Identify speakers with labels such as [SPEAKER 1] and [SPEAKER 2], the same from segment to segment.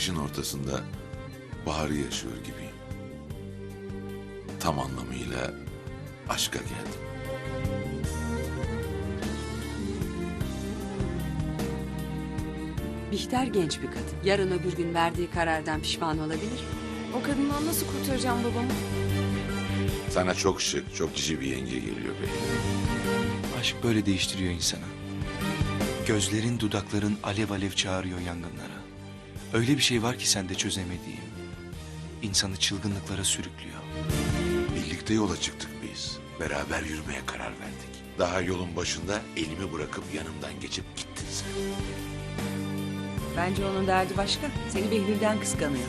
[SPEAKER 1] kışın ortasında baharı yaşıyor gibiyim. Tam anlamıyla aşka geldim.
[SPEAKER 2] Bihter genç bir kadın. Yarın öbür gün verdiği karardan pişman olabilir.
[SPEAKER 3] O kadından nasıl kurtaracağım babamı?
[SPEAKER 1] Sana çok şık, çok cici bir yenge geliyor be.
[SPEAKER 4] Aşk böyle değiştiriyor insanı. Gözlerin, dudakların alev alev çağırıyor yangınlara. Öyle bir şey var ki sende çözemediğim. İnsanı çılgınlıklara sürüklüyor.
[SPEAKER 1] Birlikte yola çıktık biz. Beraber yürümeye karar verdik. Daha yolun başında elimi bırakıp yanımdan geçip gittin sen.
[SPEAKER 2] Bence onun derdi başka. Seni Behlül'den kıskanıyor.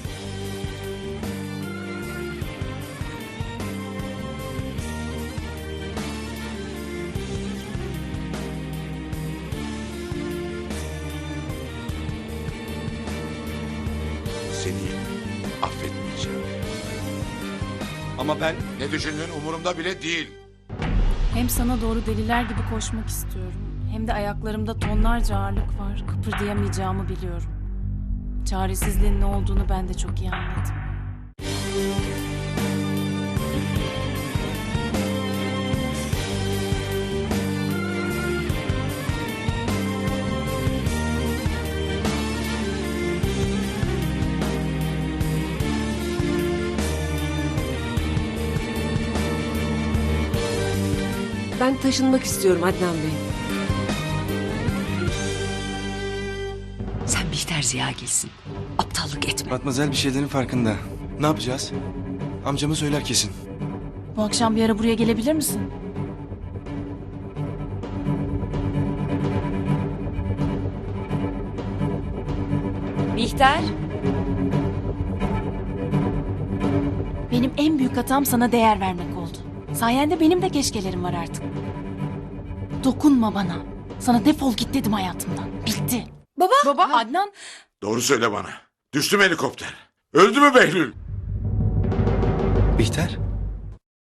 [SPEAKER 1] Seni affetmeyeceğim.
[SPEAKER 4] Ama ben...
[SPEAKER 1] Ne düşündüğün umurumda bile değil.
[SPEAKER 3] Hem sana doğru deliler gibi koşmak istiyorum. Hem de ayaklarımda tonlarca ağırlık var. Kıpırdayamayacağımı biliyorum. Çaresizliğin ne olduğunu ben de çok iyi anladım.
[SPEAKER 5] Ben taşınmak istiyorum Adnan Bey.
[SPEAKER 2] Sen Bihter Ziyagil'sin. Aptallık etme.
[SPEAKER 4] Matmazel bir şeylerin farkında. Ne yapacağız? Amcamı söyler kesin.
[SPEAKER 3] Bu akşam bir ara buraya gelebilir misin?
[SPEAKER 2] Bihter.
[SPEAKER 3] Benim en büyük hatam sana değer vermek oldu. Sayende benim de keşkelerim var artık. Dokunma bana. Sana defol git dedim hayatımdan. Bitti. Baba. Adnan.
[SPEAKER 1] Doğru söyle bana. Düştü mü helikopter? Öldü mü Behlül?
[SPEAKER 4] Bihter?